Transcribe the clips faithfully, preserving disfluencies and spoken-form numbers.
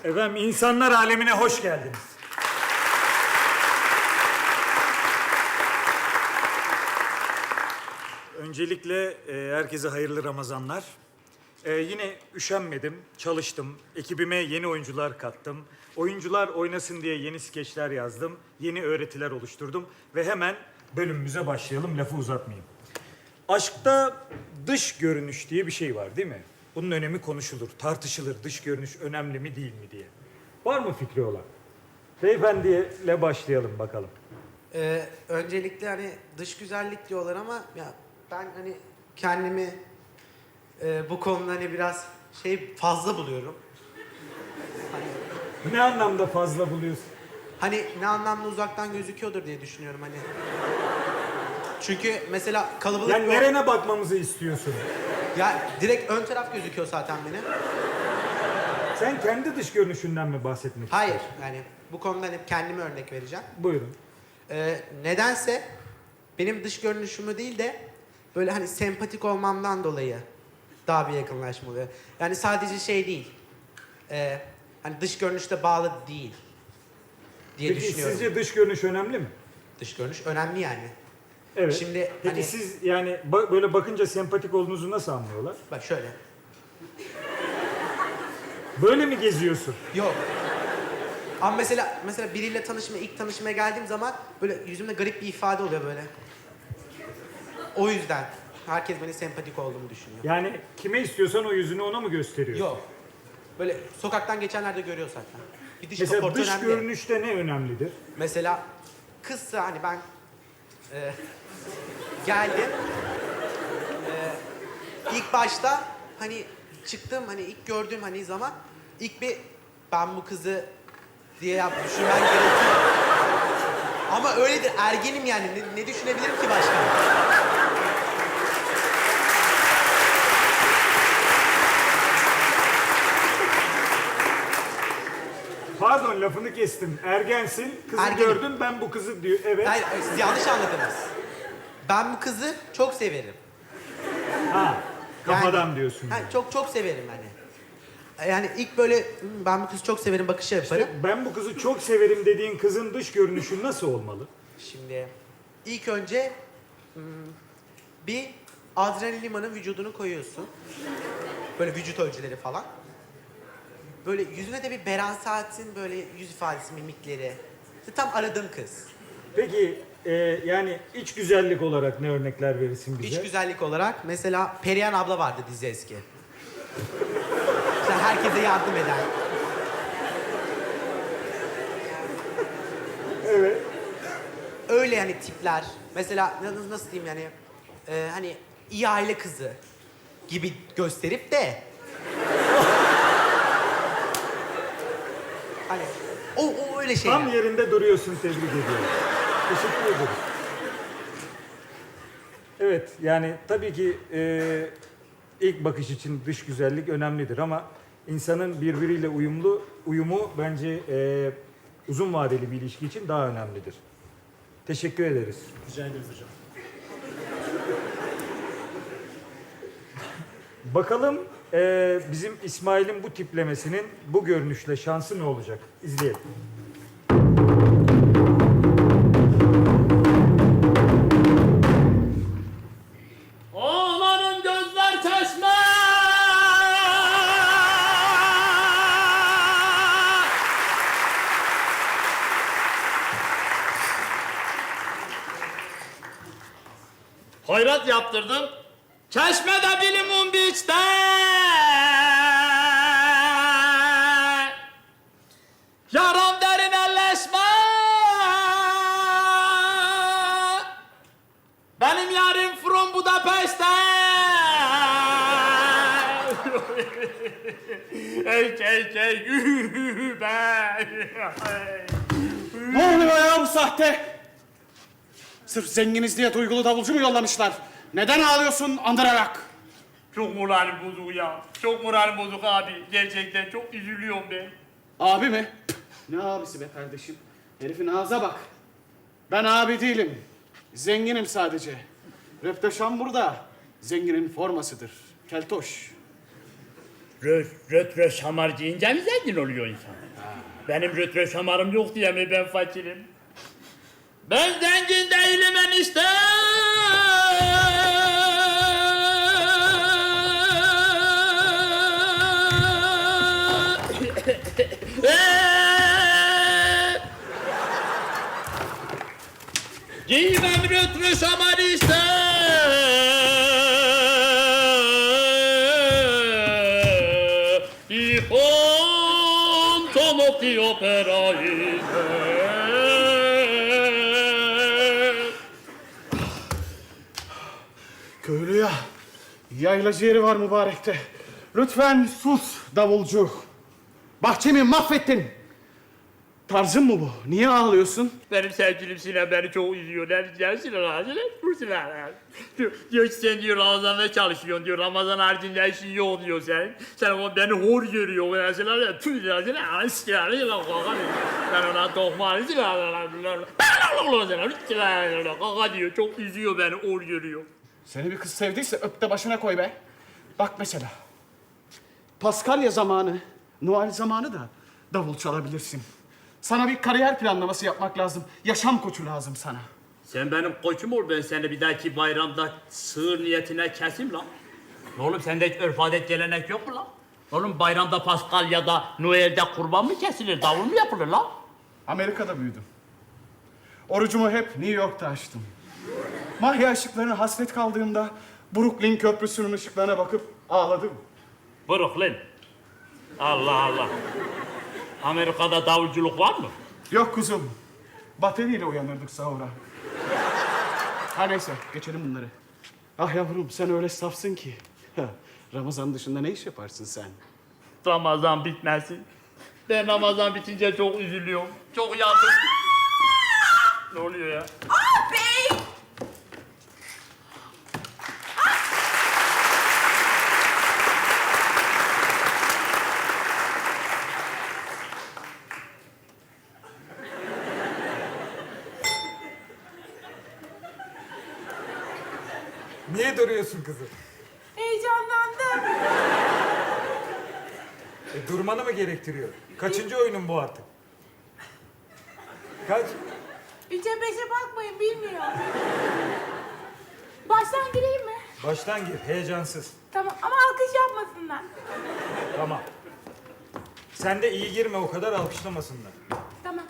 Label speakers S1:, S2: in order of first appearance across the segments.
S1: Efendim insanlar alemine hoş geldiniz. Öncelikle e, herkese hayırlı Ramazanlar. E, yine üşenmedim, çalıştım. Ekibime yeni oyuncular kattım. Oyuncular oynasın diye yeni skeçler yazdım. Yeni öğretiler oluşturdum. Ve hemen bölümümüze başlayalım, lafı uzatmayayım. Aşkta dış görünüş diye bir şey var değil mi? Bunun önemi konuşulur, tartışılır. Dış görünüş önemli mi değil mi diye. Var mı fikri olan? Beyefendiyle başlayalım bakalım.
S2: Ee, öncelikle hani dış güzellik diyorlar ama ya ben hani kendimi e, bu konuda hani biraz şey fazla buluyorum. Hani,
S1: Ne anlamda fazla buluyorsun?
S2: hani ne anlamda uzaktan gözüküyordur diye düşünüyorum hani. Çünkü mesela kalabalık...
S1: Yani
S2: bir-
S1: nerene bakmamızı istiyorsun?
S2: Ya direkt ön taraf gözüküyor zaten benim.
S1: Sen kendi dış görünüşünden mi bahsetmek
S2: Hayır
S1: istiyorsun?
S2: yani bu konuda hani kendime örnek vereceğim.
S1: Buyurun.
S2: Ee, nedense benim dış görünüşümü değil de böyle hani sempatik olmamdan dolayı daha bir yakınlaşma oluyor. Yani sadece şey değil. e, hani dış görünüşte bağlı değil diye
S1: Peki
S2: düşünüyorum.
S1: sizce dış görünüş önemli mi?
S2: Dış görünüş önemli yani.
S1: Evet.
S2: Şimdi
S1: Peki
S2: hani-
S1: siz yani ba- böyle bakınca sempatik olduğunuzu nasıl anlıyorlar?
S2: Bak şöyle.
S1: Böyle mi geziyorsun?
S2: Yok. Ama mesela mesela biriyle tanışmaya, ilk tanışmaya geldiğim zaman böyle yüzümde garip bir ifade oluyor böyle. O yüzden herkes beni sempatik olduğumu düşünüyor.
S1: Yani kime istiyorsan o yüzünü ona mı gösteriyorsun?
S2: Yok. Böyle sokaktan geçenler de görüyor zaten. Bir dış
S1: Mesela
S2: kaportu
S1: dış
S2: önemli.
S1: görünüşte ne önemlidir?
S2: Mesela kızsa hani ben e, geldim. E, ilk başta hani çıktım hani ilk gördüğüm hani zaman ilk bir ben bu kızı diye yap düşünmen gerekiyor. Ama öyledir ergenim yani ne, ne düşünebilirim ki başka?
S1: Pardon lafını kestim. Ergensin, kızı
S2: Ergenim.
S1: gördün ben bu kızı diyor. Evet.
S2: Hayır, hayır, siz yanlış anladınız. Ben bu kızı çok severim.
S1: Ha, kafadan
S2: Yani-
S1: diyorsun.
S2: Ha,
S1: yani.
S2: çok çok severim hani. Yani ilk böyle "Hmm, ben bu kızı çok severim bakışı yaparım.
S1: İşte ben bu kızı çok severim dediğin kızın dış görünüşü nasıl olmalı?
S2: Şimdi ilk önce hmm, bir adrenalin limanın vücudunu koyuyorsun. Böyle vücut ölçüleri falan. Böyle yüzüne de bir Beren Saat'in böyle yüz ifadesi, mimikleri. İşte tam aradığım kız.
S1: Peki e, yani iç güzellik olarak ne örnekler verirsin bize?
S2: İç güzellik olarak mesela Perihan abla vardı dizi eski. İşte herkese yardım eden.
S1: Evet.
S2: Öyle yani tipler. Mesela nasıl, nasıl diyeyim yani e, hani iyi aile kızı gibi gösterip de hani o, o öyle şeyler.
S1: Tam yerinde duruyorsun, tebrik ediyorum. Teşekkür ederim. Evet, yani tabii ki e, ilk bakış için dış güzellik önemlidir ama insanın birbiriyle uyumlu uyumu bence e, uzun vadeli bir ilişki için daha önemlidir. Teşekkür ederiz.
S3: Rica ederiz hocam.
S1: Bakalım e, bizim İsmail'in bu tiplemesinin bu görünüşle şansı ne olacak? İzleyelim.
S3: Oğlanın gözler çeşme! Hayrat yaptırdım. Çeşmede bir limon biçte. Yaram derin elleşme. Benim yarim from Budapeşte. Ey ey ey be.
S4: Ne oluyor ya bu sahte? Sırf zenginiz diye duygulu davulcu mu yollamışlar? Neden ağlıyorsun andırarak?
S3: Çok moralim bozuk ya. Çok moralim bozuk abi. Gerçekten çok üzülüyorum ben.
S4: Abi mi? Püh, ne abisi be kardeşim? Herifin ağza bak. Ben abi değilim. Zenginim sadece. Röpteşan burada. Zenginin formasıdır. Keltoş.
S3: Röt, röt, röt şamar giyince mi zengin oluyor insan? Benim röt, röt şamarım yok diye mi ben fakirim? Ben zengin değilim enişte! Giymem röt, röt şamar işte! Ich komme die Opera in.
S4: Köylü ya, yaylacı yeri var mübarekte. Lütfen sus davulcu. Bahçemi mahvettin. Tarzın mı bu? Niye ağlıyorsun?
S3: Benim sevgilim Sinan beni çok üzüyor. Ne diyeceğim Sinan Sinan? Dur Sinan. Diyor, diyor ki sen diyor Ramazan'da çalışıyorsun diyor. Ramazan haricinde işin yok diyor sen. Sen o beni hor görüyor. Ben Sinan ya tüy Sinan Sinan. Sinan Sinan kaka diyor. Ben ona dokmanı Sinan Sinan. Sinan kaka diyor. Çok üzüyor beni hor görüyor.
S4: Seni bir kız sevdiyse öp de başına koy be. Bak mesela. Paskalya zamanı, Noel zamanı da davul çalabilirsin. Sana bir kariyer planlaması yapmak lazım. Yaşam koçu lazım sana.
S3: Sen benim koçum ol, ben seni bir dahaki bayramda sığır niyetine kesim lan. Oğlum sende hiç örf adet gelenek yok mu lan? Oğlum bayramda Paskalya'da, Noel'de kurban mı kesilir, davul mu yapılır lan?
S4: Amerika'da büyüdüm. Orucumu hep New York'ta açtım. Mahya ışıklarına hasret kaldığımda Brooklyn Köprüsü'nün ışıklarına bakıp ağladım.
S3: Brooklyn. Allah Allah. Amerika'da davulculuk var mı?
S4: Yok kuzum. Bateriyle uyanırdık sahura. Ha neyse, geçelim bunları. Ah yavrum, sen öyle safsın ki. Ha, Ramazan dışında ne iş yaparsın sen?
S3: Ramazan bitmesin. Ben Ramazan bitince çok üzülüyorum. Çok yandım. Ne oluyor ya?
S5: Abi!
S1: Niye duruyorsun kızım?
S5: Heyecanlandım.
S1: E, durmanı mı gerektiriyor? Kaçıncı oyunun bu artık? Kaç?
S5: Üçe beşe bakmayın, bilmiyorum. Baştan gireyim mi?
S1: Baştan gir, heyecansız.
S5: Tamam ama alkış yapmasınlar.
S1: Tamam. Sen de iyi girme, o kadar alkışlamasınlar.
S5: Tamam.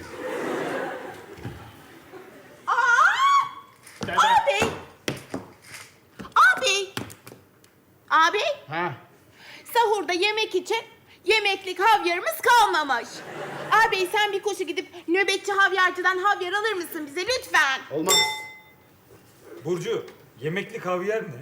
S5: Aa! Abi! Abi! Abi!
S4: Ha?
S5: Sahurda yemek için yemeklik havyarımız kalmamış. Abi sen bir koşu gidip nöbetçi havyarcıdan havyar alır mısın bize lütfen?
S4: Olmaz.
S1: Burcu, yemekli havyar ne?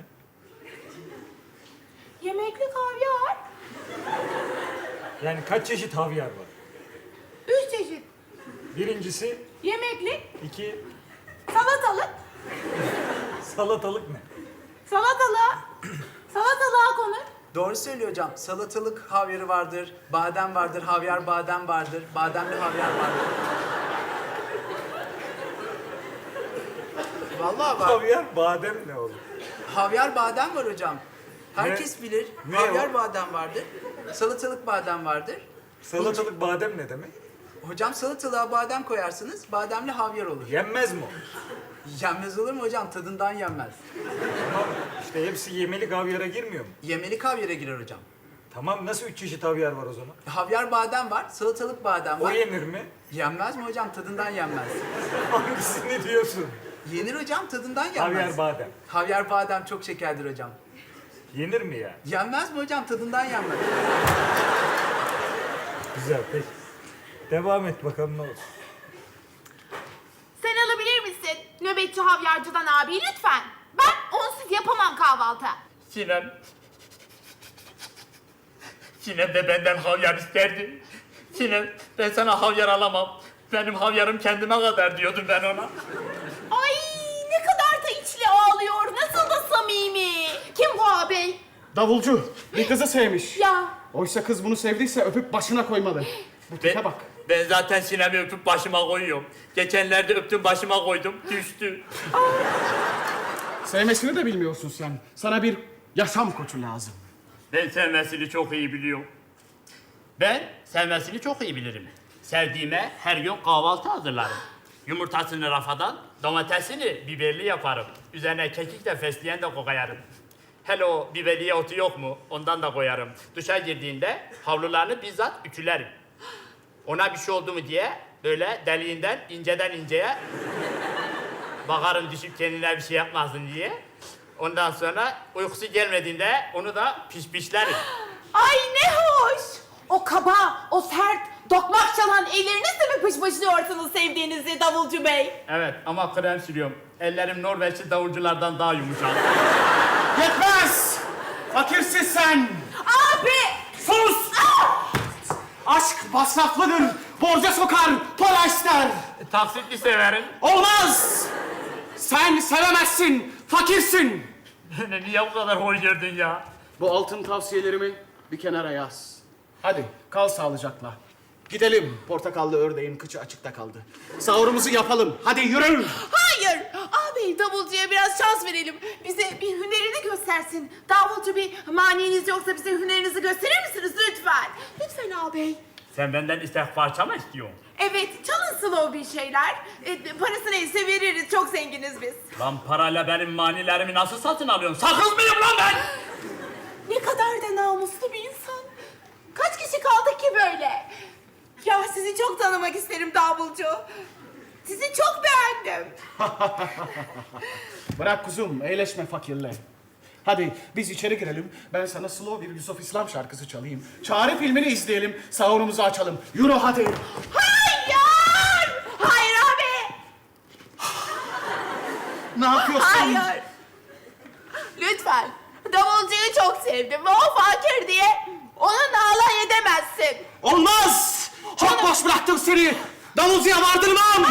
S5: Yemeklik havyar?
S1: Yani kaç çeşit havyar var?
S5: Üç çeşit.
S1: Birincisi,
S5: Yemeklik,
S1: iki,
S5: salatalık,
S1: salatalık ne?
S5: salatalığa, salatalığa konur.
S2: Doğru söylüyor hocam. Salatalık havyarı vardır, badem vardır, havyar badem vardır, bademli havyar vardır. Vallahi var.
S1: Havyar, badem ne oğlum?
S2: Havyar badem var hocam. Herkes bilir.
S1: Ne
S2: havyar
S1: o?
S2: badem vardır. Salatalık badem vardır.
S1: Salatalık badem ne demek?
S2: Hocam salatalığa badem koyarsınız, bademli havyar olur.
S1: Yenmez mi o?
S2: Yenmez olur mu hocam? Tadından yenmez.
S1: Tamam, işte hepsi yemelik havyara girmiyor mu?
S2: Yemelik havyara girer hocam.
S1: Tamam, nasıl üç çeşit havyar var o zaman?
S2: Havyar badem var, salatalık badem
S1: O
S2: var.
S1: yenir mi?
S2: Yenmez mi hocam? Tadından yenmez.
S1: Hangisini diyorsun?
S2: Yenir hocam, tadından yenmez.
S1: Havyar badem.
S2: Havyar badem çok şekerdir hocam.
S1: Yenir mi ya?
S2: Yenmez mi hocam? Tadından yenmez.
S1: Güzel, peki. Devam et bakalım ne olur.
S5: Sen alabilir misin nöbetçi havyarcıdan abi lütfen? Ben onsuz yapamam kahvaltı.
S3: Sinem. Sinem de benden havyar isterdi. Sinem, ben sana havyar alamam. Benim havyarım kendime kadar diyordum ben ona.
S5: Ay ne kadar da içli ağlıyor. Nasıl da samimi. Kim bu abi?
S4: Davulcu, bir kızı sevmiş.
S5: Ya
S4: Oysa kız bunu sevdiyse öpüp başına koymalı. Bu tipe
S3: Ben,
S4: bak.
S3: ben zaten Sinem'i öpüp başıma koyuyorum. Geçenlerde öptüm başıma koydum, düştü.
S4: Sevmesini de bilmiyorsun sen. Sana bir yaşam koçu lazım.
S3: Ben sevmesini çok iyi biliyorum. Ben sevmesini çok iyi bilirim. Sevdiğime her gün kahvaltı hazırlarım. Yumurtasını rafadan, domatesini biberli yaparım. Üzerine kekik de fesleğen de koyarım. Hele o biberiye otu yok mu? Ondan da koyarım. Duşa girdiğinde havlularını bizzat ütülerim. Ona bir şey oldu mu diye böyle deliğinden inceden inceye bakarım düşüp kendine bir şey yapmasın diye. Ondan sonra uykusu gelmediğinde onu da pişpişlerim.
S5: Ay ne hoş. O kaba, o sert, dokmak çalan ellerinizle mi pışpışlıyorsunuz sevdiğinizi davulcu bey?
S3: Evet ama krem sürüyorum. Ellerim Norveçli davulculardan daha yumuşak.
S4: Yetmez! Fakirsin sen!
S5: Abi!
S4: Sus! Aşk masraflıdır, borca sokar, para ister.
S3: Taksitli severim.
S4: Olmaz! Sen sevemezsin, fakirsin.
S3: Niye bu kadar hor gördün ya?
S4: Bu altın tavsiyelerimi bir kenara yaz. Hadi kal sağlıcakla. Gidelim. Portakallı ördeğin kıçı açıkta kaldı. Sahurumuzu yapalım. Hadi yürü.
S5: Hayır! Ağabey davulcuya biraz şans verelim. Bize bir hünerini göstersin. Davulcu bir maniniz yoksa bize hünerinizi gösterir misiniz lütfen? Lütfen ağabey.
S3: Sen benden istek parça mı istiyorsun?
S5: Evet, çalın slow bir şeyler. E, parası neyse veririz, çok zenginiz biz.
S3: Lan parayla benim manilerimi nasıl satın alıyorsun? Sakız mıyım lan ben?
S5: Ne kadar da namuslu bir insan. Kaç kişi kaldık ki böyle? Ya sizi çok tanımak isterim davulcu. Sizi çok beğendim.
S4: Bırak kuzum, eğleşme fakirle. Hadi biz içeri girelim. Ben sana slow bir Yusuf İslam şarkısı çalayım. Çare filmini izleyelim. Sahurumuzu açalım. Yürü hadi.
S5: Hayır! Hayır abi!
S4: Ne yapıyorsun?
S5: Hayır! Lütfen. Davulcuyu çok sevdim ve o fakir diye onunla alay edemezsin.
S4: Olmaz! Çok boş bıraktım seni. Davulcuya vardırmam.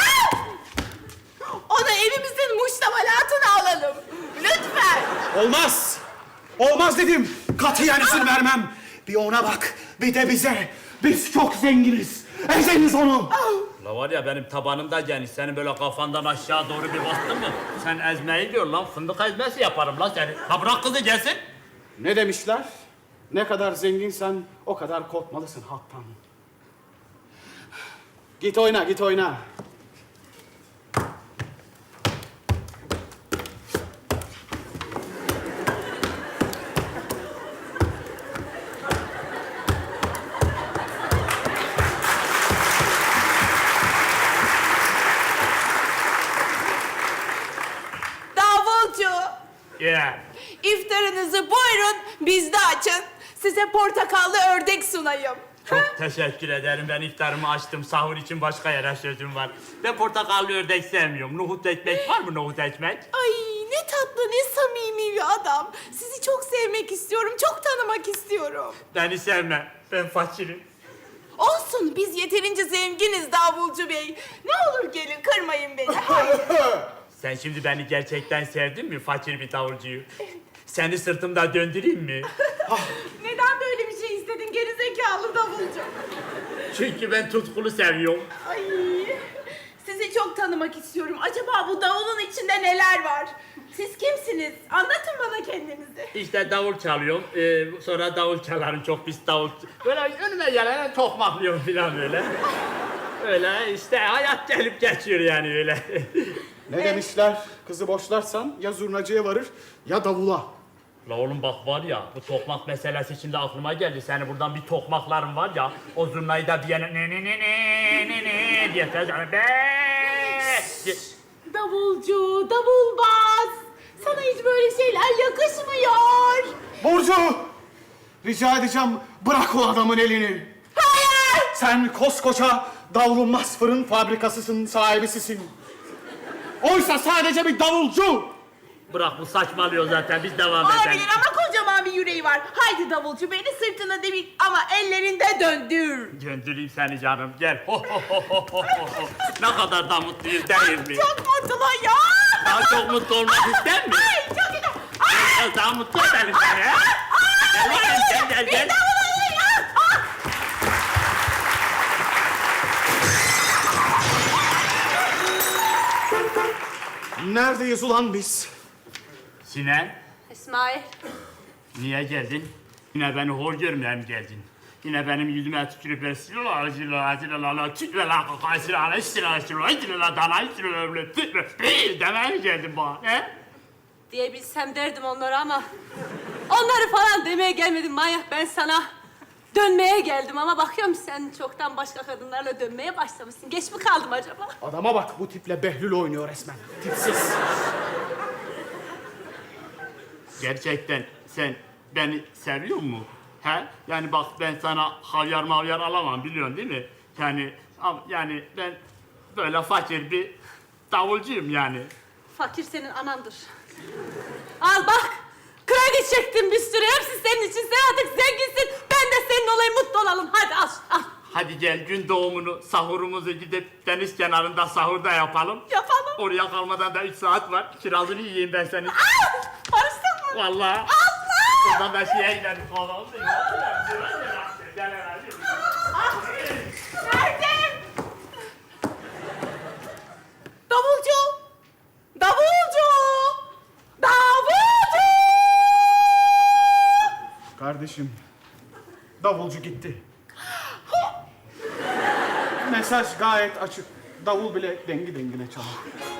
S5: Onu evimizin muştamalatına alalım. Lütfen.
S4: Olmaz. Olmaz dedim. Katiyen izin vermem. Bir ona bak, bir de bize. Biz çok zenginiz. Ezeniz onu.
S3: La var ya benim tabanımda geniş. Senin böyle kafandan aşağı doğru bir bastın mı? Sen ezmeyi diyor lan. Fındık ezmesi yaparım lan seni. Ha bırak kızı gelsin.
S4: Ne demişler? Ne kadar zenginsen o kadar korkmalısın halktan. Git oyna, git oyna.
S5: Davulcu.
S3: Yeah.
S5: İftarınızı buyurun bizde açın. Size portakallı ördek sunayım.
S3: Çok teşekkür ederim. Ben iftarımı açtım. Sahur için başka yere sözüm var. Ben portakallı ördek sevmiyorum. Nohut ekmek var mı nohut ekmek?
S5: Ay ne tatlı ne samimi bir adam. Sizi çok sevmek istiyorum, çok tanımak istiyorum.
S3: Beni sevme. Ben fakirim.
S5: Olsun biz yeterince zenginiz Davulcu Bey. Ne olur gelin kırmayın beni. Hayır.
S3: Sen şimdi beni gerçekten sevdin mi fakir bir davulcuyu? Seni sırtımda döndüreyim mi?
S5: Neden böyle bir şey istedin gerizekalı davulcu?
S3: Çünkü ben tutkulu seviyorum.
S5: Ay sizi çok tanımak istiyorum. Acaba bu davulun içinde neler var? Siz kimsiniz? Anlatın bana kendinizi.
S3: İşte davul çalıyorum. Ee, sonra davul çalarım. Çok pis davul. Böyle önüme gelene tokmaklıyorum falan böyle. Öyle işte hayat gelip geçiyor yani öyle.
S4: Ne demişler? Kızı boşlarsan ya zurnacıya varır ya davula.
S3: La oğlum bak var ya bu tokmak meselesi şimdi aklıma geldi. Seni buradan bir tokmaklarım var ya. O zurnayı da bir yana ne ne ne ne ne ne diye tezgahına be. diye-
S5: Davulcu, davulbaz. Sana hiç böyle şeyler yakışmıyor.
S4: Burcu! Rica edeceğim bırak o adamın elini.
S5: Hayır!
S4: Sen koskoca davulunmaz fırın fabrikasısın, sahibisisin. Oysa sadece bir davulcu.
S3: Bırak bu saçmalıyor zaten biz devam edelim.
S5: Olabilir ama kocaman bir yüreği var. Haydi davulcu beni sırtına devir ama ellerinde döndür.
S3: Döndüreyim seni canım gel. Ho, ho, ho, ho, ho, ho. Ne kadar da mutluyuz değil mi?
S5: Çok mutlu ya.
S3: Daha çok mutlu olmak ister misin?
S5: Ay çok güzel. Ay.
S3: Biraz daha mutlu edelim seni. ha? Gel bakayım gel gel gel.
S4: Neredeyiz ulan biz?
S3: Sinan
S6: İsmail,
S3: niye geldin? Yine beni hor görmeye mi geldin? Yine benim yüzüme tükürüp esirler, esirler, esirler, tükürler, kakasırlar, esirler, esirler, esirler, dana, esirler, esirler, demeye mi geldin bana, he?
S6: Diyebilsem derdim onlara ama onları falan demeye gelmedim manyak. Ben sana dönmeye geldim ama bakıyorum sen çoktan başka kadınlarla dönmeye başlamışsın. Geç mi kaldım acaba?
S4: Adama bak, bu tiple Behlül oynuyor resmen. Tipsiz.
S3: Gerçekten sen beni seviyor mu? He? Yani bak ben sana havyar mavyar alamam biliyorsun değil mi? Yani am- yani ben böyle fakir bir davulcuyum yani.
S6: Fakir senin anandır. Al bak. Kredi çektim bir sürü. Hepsi senin için. Sen artık zenginsin. Ben de senin olayım. Mutlu olalım. Hadi al. Al.
S3: Hadi gel gün doğumunu, sahurumuzu gidip deniz kenarında sahurda yapalım.
S6: Yapalım.
S3: Oraya kalmadan da üç saat var. Kirazını yiyeyim ben senin.
S6: Barıştın mı?
S3: Vallahi.
S6: Allah!
S3: Oradan da şeye gidelim. Kahvaltı edelim.
S5: Nerede? Davulcu! Davulcu! Davulcu!
S4: Kardeşim, davulcu gitti. Mesaj gayet açık. Davul bile dengi dengine çalar.